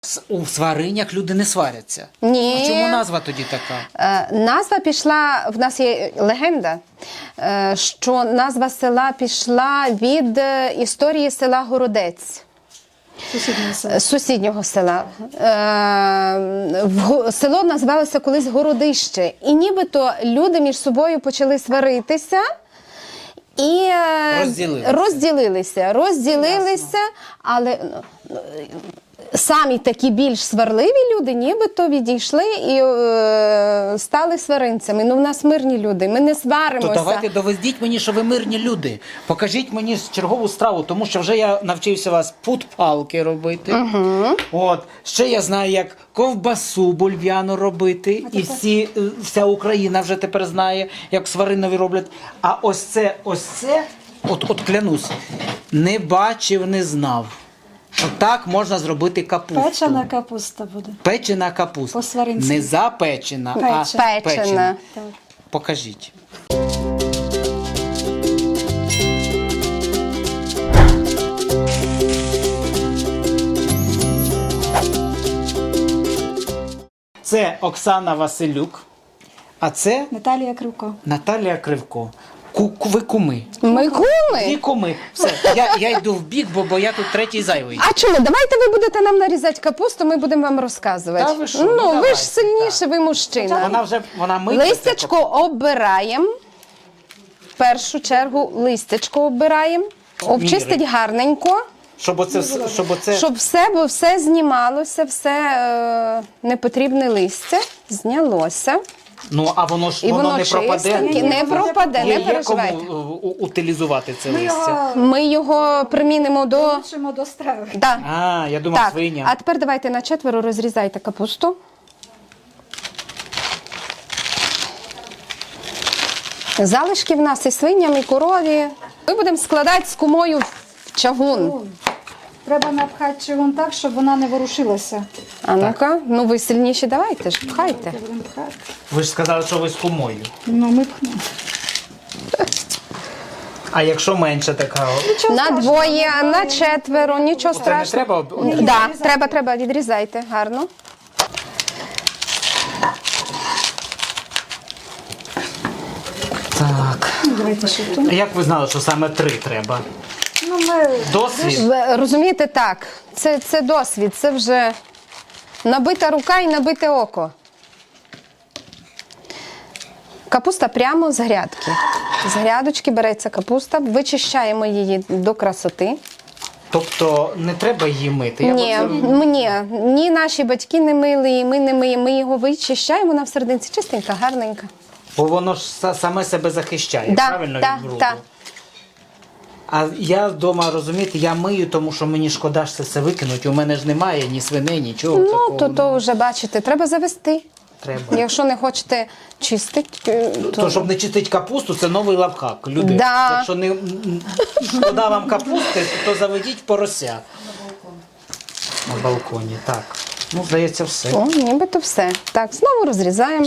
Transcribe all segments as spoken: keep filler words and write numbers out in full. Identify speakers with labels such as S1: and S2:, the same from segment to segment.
S1: С- У сваринях люди не сваряться.
S2: Ні.
S1: А чому назва тоді така?
S2: Е, назва пішла, в нас є легенда, е, що назва села пішла від е, історії села Городець.
S3: Сусіднього села.
S2: З сусіднього села. Е, в го- село називалося колись Городище. І нібито люди між собою почали сваритися. І е,
S1: Розділилися.
S2: розділилися, розділилися, але ну, самі такі більш сварливі люди нібито відійшли і е, стали сваринцями. Ну, в нас мирні люди, ми не сваримося.
S1: То давайте доведіть мені, що ви мирні люди. Покажіть мені чергову страву, тому що вже я навчився вас пут-палки робити. Угу. От. Ще я знаю, як ковбасу бульв'яну робити. І всі, е, вся Україна вже тепер знає, як сваринові роблять. А ось це, ось це, от, от клянусь, не бачив, не знав. Що так можна зробити капусту.
S3: Печена капуста буде.
S1: Печена капуста.
S3: По-сваринськи.
S1: Не запечена,
S3: Печена.
S1: а
S2: Печена.
S1: печена.
S3: Так.
S1: Покажіть. Це Оксана Василюк, а це
S3: Наталія Кривко.
S1: Наталія Кривко. Ку- ку- Ви куми.
S2: Ми
S1: Дві
S2: куми?
S1: куми. Все, я, я йду в бік, бо, бо я тут третій зайвий.
S2: А чому? Давайте ви будете нам нарізати капусту, ми будемо вам розказувати.
S1: Та ви що?
S2: Ну,
S1: Ну,
S2: ви
S1: давайте,
S2: ж сильніше, ви мужчина.
S1: Вона вже вона миється.
S2: Листячко обираємо. В першу чергу листячко обираємо. Обчистить гарненько,
S1: Щоб оце, вс- щоб оце...
S2: щоб все, бо все знімалося, все е, непотрібне листя знялося.
S1: Ну, а воно ж
S2: І
S1: воно,
S2: воно
S1: не пропаде.
S2: чистеньке, не пропаде,
S1: Є,
S2: не
S1: є кому
S2: переживайте.
S1: е, у- утилізувати це
S3: Ми
S1: листя?
S3: його
S2: Ми його примінимо до...
S3: долучимо до страви.
S2: Да.
S1: А, я думав,
S2: Так,
S1: свиня.
S2: а тепер давайте на четверо розрізайте капусту. Залишки в нас і свиням, і корові. Ми будемо складати з кумою в чагун.
S3: Треба напхати чигун так, щоб вона не ворушилася.
S2: А ну-ка, ну ви сильніші давайте ж, пхайте.
S3: Будемо пхати.
S1: Ви ж сказали, що ви з кумою.
S3: Ну, ми пхнемо.
S1: А якщо менше така?
S2: На двоє, на четверо, нічого
S1: Це не
S2: страшного.
S1: треба? об-
S2: Так, да, треба, треба, відрізайте, гарно.
S1: Так.
S3: Ну, давайте ще тут.
S1: А як ви знали, що саме три треба?
S3: Ну, ми...
S1: Досвід?
S2: Ви розумієте, так, це, це досвід, це вже набита рука і набите око. Капуста прямо з грядки. З грядочки береться капуста, вичищаємо її до красоти.
S1: Тобто не треба її мити? Я
S2: Ні,
S1: оце-
S2: ні, ні наші батьки не мили, і ми не миємо. Ми його вичищаємо, вона всерединці чистенька, гарненька.
S1: Бо воно ж са- саме себе захищає,
S2: Да,
S1: правильно,
S2: да,
S1: від бруду?
S2: да.
S1: А я вдома, розумієте, я мию, тому що мені шкода ж це все викинуть. У мене ж немає ні свини, нічого
S2: Ну,
S1: такого.
S2: то, то вже, бачите, треба завести.
S1: Треба.
S2: Якщо не хочете чистити, то...
S1: То, щоб не чистити капусту, це новий лавхак. Люди,
S2: Да.
S1: якщо не м, шкода вам капусти, то заведіть порося. На балконі, так. Ну, здається, все.
S2: О, нібито все. Так, знову розрізаємо.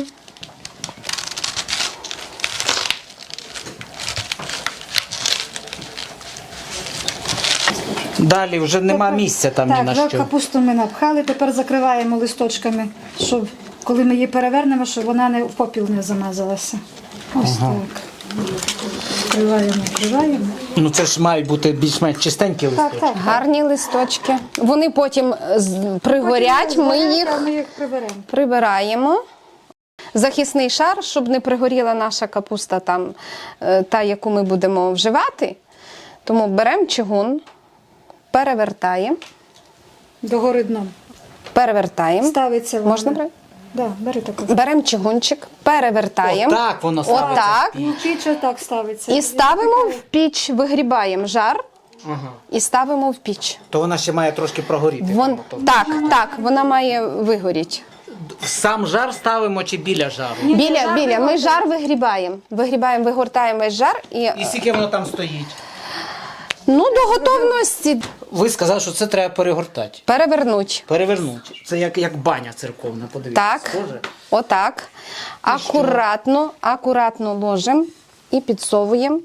S1: Далі вже нема місця там ні
S3: Так,
S1: на
S3: вже
S1: що.
S3: капусту ми напхали, тепер закриваємо листочками, щоб коли ми її перевернемо, щоб вона не в попіл не замазалася. Ось так. Вкриваємо, вкриваємо.
S1: Ну це ж мають бути більш-менш чистенькі
S3: Так,
S1: листочки.
S3: так.
S2: Гарні листочки. Вони потім з- пригорять, ми їх
S3: ми їх приберемо.
S2: прибираємо. Захисний шар, щоб не пригоріла наша капуста, там, е, та, яку ми будемо вживати. Тому беремо чигун, перевертаємо,
S3: Догори дном.
S2: перевертаємо.
S3: Ставиться вона.
S2: Можна брати?
S3: Да, бери таку.
S2: Беремо чигунчик, перевертаємо.
S1: Отак воно ставиться.
S2: Отак.
S1: в піч.
S3: Піч отак ставиться.
S2: І ставимо в піч, вигрібаємо жар
S1: Ага.
S2: і ставимо в піч.
S1: То вона ще має трошки прогоріти.
S2: Вон,
S1: там,
S2: так, так, вона має вигоріти.
S1: ото. Сам жар ставимо чи біля жару?
S2: Біля,
S3: жар
S2: біля, ми
S3: вигортаємо.
S2: жар вигрібаємо. Вигрібаємо, вигортаємо весь жар і,
S1: І скільки воно там стоїть?
S2: ну, до готовності
S1: Ви сказали, що це треба перегортати.
S2: перевернуть.
S1: Перевернути. Це як, як баня церковна, подивіться.
S2: Так,
S1: Схоже?
S2: отак. Акуратно, акуратно ложимо і підсовуємо.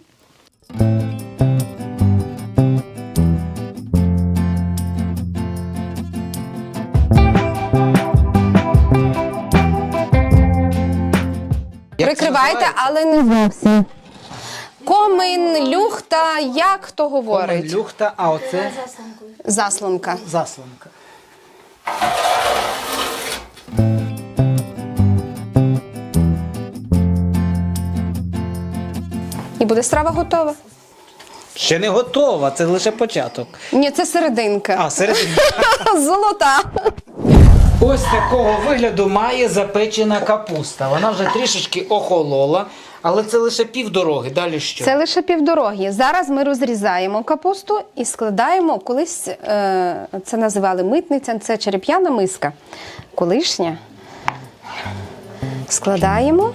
S2: Прикривайте,
S1: називається?
S2: але не зовсім. Комин, люхта, як хто говорить?
S1: Комин, люхта, а оце
S2: Заслонка.
S1: заслонка.
S2: І буде страва готова.
S1: Ще не готова, це лише початок.
S2: Ні, це серединка.
S1: А, середині.
S2: Золота.
S1: Ось такого вигляду має запечена капуста. Вона вже трішечки охолола, але це лише півдороги. Далі що?
S2: Це лише півдороги. Зараз ми розрізаємо капусту і складаємо, колись е, це називали митниця, це череп'яна миска. Колишня. Складаємо.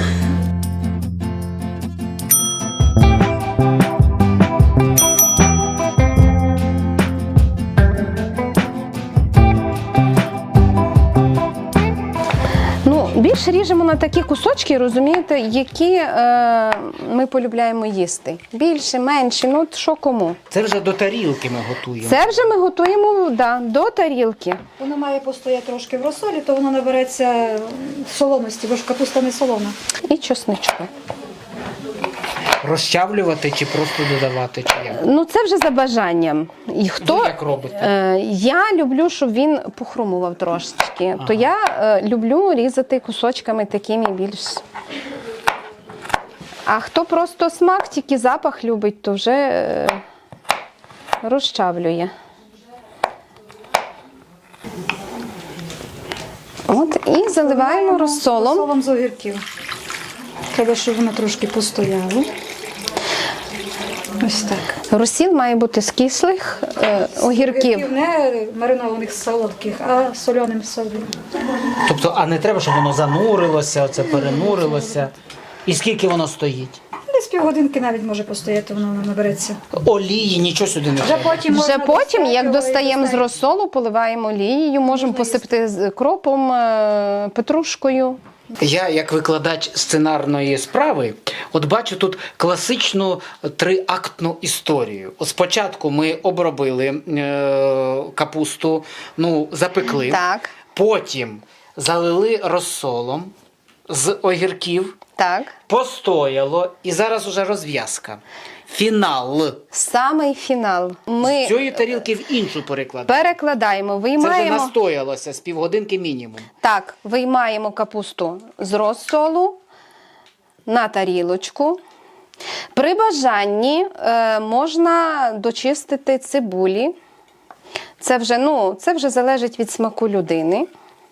S2: Ну, більше ріжемо на такі кусочки, розумієте, які е, ми полюбляємо їсти. Більше, менше, ну от що кому.
S1: Це вже до тарілки ми готуємо.
S2: Це вже ми готуємо да, до тарілки.
S3: Воно має постояти трошки в розсолі, то воно набереться солоності, бо ж капуста не солона.
S2: І чесничку.
S1: Розчавлювати чи просто додавати? Чи як?
S2: Ну, це вже за бажанням. І хто,
S1: Ви як робите?
S2: Е, я люблю, щоб він похрумував трошечки. То я е, люблю різати кусочками такими більш. А хто просто смак, тільки запах любить, то вже е, розчавлює. От, і заливаємо розсолом.
S3: Розсолом з огірків. Треба, щоб воно трошки постояло. Ось так.
S2: Розсіл має бути з кислих е, огірків.
S3: Не маринованих солодких, а соленим солом.
S1: Тобто, а не треба, щоб воно занурилося, оце перенурилося. І скільки воно стоїть?
S3: Десь півгодинки навіть може постояти, воно набереться.
S1: Олії, нічого сюди не
S3: Вже
S1: треба.
S3: потім,
S2: Вже
S3: можна
S2: потім,
S3: достати
S2: як
S3: його і
S2: достаємо з
S3: достати.
S2: розсолу, поливаємо олією, можемо посипати з кропом, е, петрушкою.
S1: Я, як викладач сценарної справи, от бачу тут класичну триактну історію. От спочатку ми обробили е, капусту, ну, запекли,
S2: Так.
S1: потім залили розсолом з огірків,
S2: Так.
S1: постояло, і зараз уже розв'язка. Фінал.
S2: Самий фінал. Ми
S1: З цієї тарілки в іншу перекладаємо.
S2: перекладаємо,
S1: Це вже
S2: виймаємо.
S1: настоялося з півгодинки мінімум.
S2: Так, виймаємо капусту з розсолу на тарілочку. При бажанні е, можна дочистити цибулі. Це вже, ну, це вже залежить від смаку людини.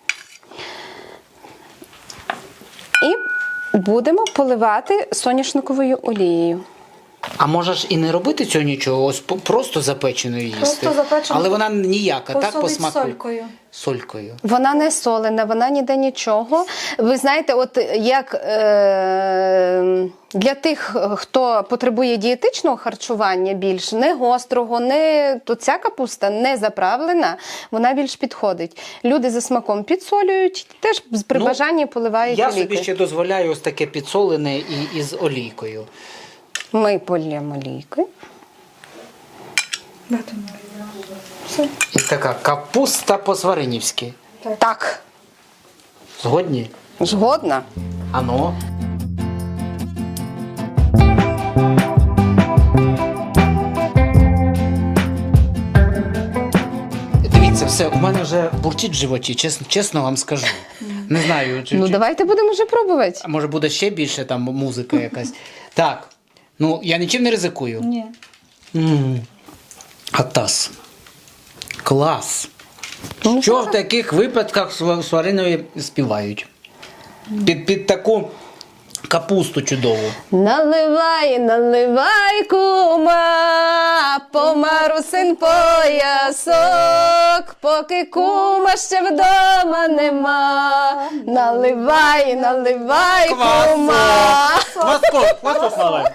S2: І будемо поливати соняшниковою олією.
S1: А можеш і не робити цього нічого, ось по- просто запеченою їсти.
S3: Просто запечену.
S1: Але вона ніяка, так, по
S3: Посолить
S1: смаку?
S3: солькою.
S1: Солькою.
S2: Вона не солена, вона ніде нічого. Ви знаєте, от як е, для тих, хто потребує дієтичного харчування більш, не гострого, не, то ця капуста не заправлена, вона більш підходить. Люди за смаком підсолюють, теж при
S1: Ну,
S2: бажанні поливають
S1: Я собі
S2: олійкою.
S1: ще дозволяю ось таке підсолене і із олійкою.
S2: Ми полємо олійкою.
S3: Дати мені. Все.
S1: І така капуста по-сваринівськи.
S2: Так,
S1: Згодні?
S2: згодна.
S1: Ано. Дивіться, все, у мене вже бурчить в животі, чесно, чесно вам скажу. Не знаю, чи,
S2: Ну
S1: чи-
S2: давайте будемо вже пробувати.
S1: а може буде ще більше там музика якась. Так, ну я нічим не ризикую.
S3: Ні.
S1: М. Атас. Клас.
S2: Ну,
S1: Що в таких випадках сва- сваринові співають? Під, під таку капусту чудову.
S2: Наливай, наливай, кума, по марусин поясок, поки кума ще вдома нема. Наливай, наливай, кума.
S1: Класно, класно, Слава.